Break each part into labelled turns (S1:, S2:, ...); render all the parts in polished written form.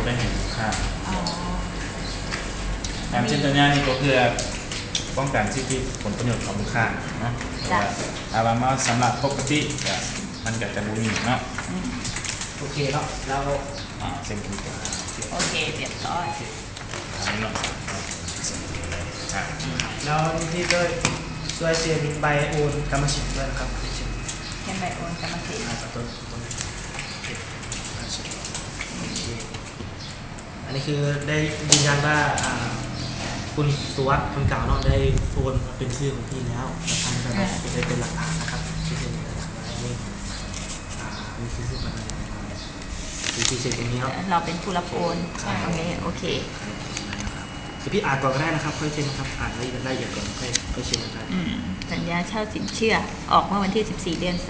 S1: ได้เห็นค่าการเช่นตัวนี้นี่ก็เพื่อป้องกันสิทธิผลประโยชน์ของลูกค้าเนาะอาบามาสำหรับปกติมันก็จะบุมีเนาะ
S2: โอเคเนาะแล้ว
S1: เซ็นคือ
S3: โอเคเรียบร้อย
S1: อันนี้เนาะ
S2: แล้วที่ก็ช่วยเซ็นใบโอนกรรมสิทธิ์ด้วยนะครับ
S3: เช่นใบโอนกรรมสิทธิ์
S2: อันนี้คือได้ยืนยันว่าคุณสุวัสดิ์คนเก่าเนาะได้โอนเป็นชื่อของพี่แล้วทางจะได้เป็นหลักฐานนะครับที่เป็นอะไรนี่มีชื่ออะไรที่เซ็นตรงนี้เนาะ
S3: เราเป็นผู้รับโอนโอเค
S2: เดี๋ยวพี่อ่านก่อนก็ได้นะครับค่อยเซ็นนะครับอ่านรายละเอียดก่อนค่อยเซ็นนะครับ
S3: สัญญาเช่าสินเชื่อออกเมื่อวันที่14 เดือน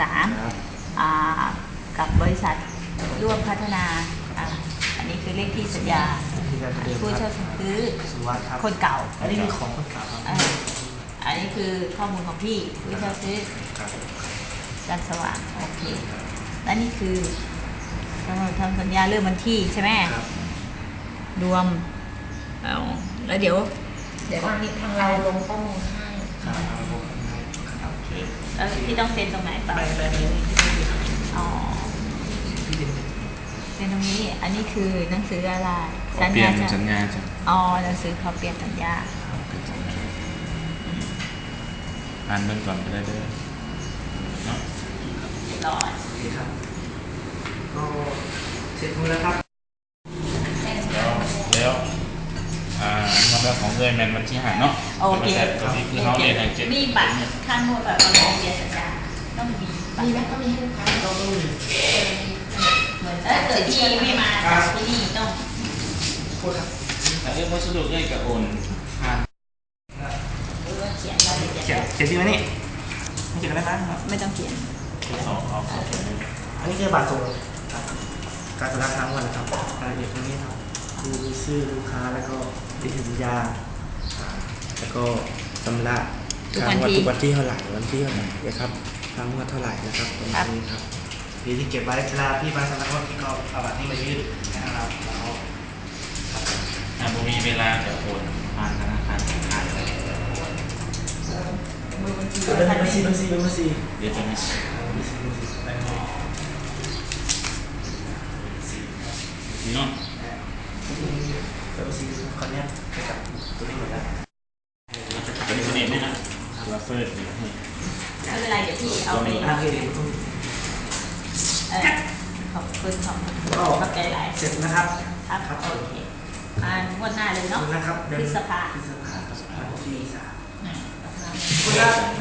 S3: 3กับบริษัทร่วมพัฒนาอันนี้คือเลขที่สัญญาผู้เช่าซื้อคนเก่า
S2: อันนี้คือของคนเก่าครับ
S3: อันนี้คือข้อมูลของพี่ผู้เช่าซื้อจันสว่างโอเคและนี่คือทำสัญญาเริ่มวันที่ใช่ไหมรวมแล้วเดี๋ยว
S4: ทางเราลงข้อมูลให้
S3: โอเคแล้วพี่ต้องเซ็นตรงไหนป่ะอ๋อเซ็นตรงนี้อันนี้คือหนังสืออะไร
S1: สัญญาจ้ะ
S3: อ๋อหนังสือขอเปลี่ยนสัญญา
S1: อ่านเบื้องก่อนก็ได้ด้วยเนาะ
S3: ร้อย
S2: ครับก็เสร็จหมดแล้วครับ
S1: แล้วมันเป็นของเงินแมนวันที่5เนาะ
S3: โอเค
S1: คือเขาเรียนอย่างเช่น
S3: มีบัตรค่านวดแบบเราเปลี่ยนสัญญาต้องมี
S4: ไหมต้องมีให้ลูกค้า
S2: ต้องมี
S3: เหมือนถ้าเกิดที่ไม่มาจากที่นี่ต้อง
S2: พูดครับ
S1: แต่วัสดุเนี่ยกับโอนผ่าน
S3: เขียนรายละเอียด
S2: เขียนที่ไหนนี่ไม่เขียนอะไรบ้างครับ
S3: ไม่ต้องเขียน
S2: อันนี้คือบัตรส่งการชำระค้างวันนะครับรายละเอียดตรงนี้ครับคือชื่อลูกค้าแล้วก็เลขสัญญาแล้วก็ชำระค้างวันทุกวันที่เท่าไหร่นะครับค้างวันเท่าไหร่นะครับตรงนี้ครับพี่ที่เก็บไว้เวลาพี่มาชำระก็พี่ก็เอาบัตรนี้มายื่นนะครับแล้ว
S1: ผมมีเวลาจะโอนผ่านธนาคารอะไร
S2: บัญชี
S1: เดี๋ยวจะมีเนาะ
S2: แต่บัญชีคนนี้จะจับตัวนี้หมดแล้ว
S1: เป็นตัวนี้ไหมนะตัวเฟิร์ส
S3: ไม่เป็นไรเดี๋ยวพี่เอาไปขอบคุณขอบใจหลาย
S2: เสร็จนะครับ
S3: ครับโอเคงวดหน้าเลยเนาะ
S2: นะครับ
S3: พฤษภา
S2: ที่3คุณ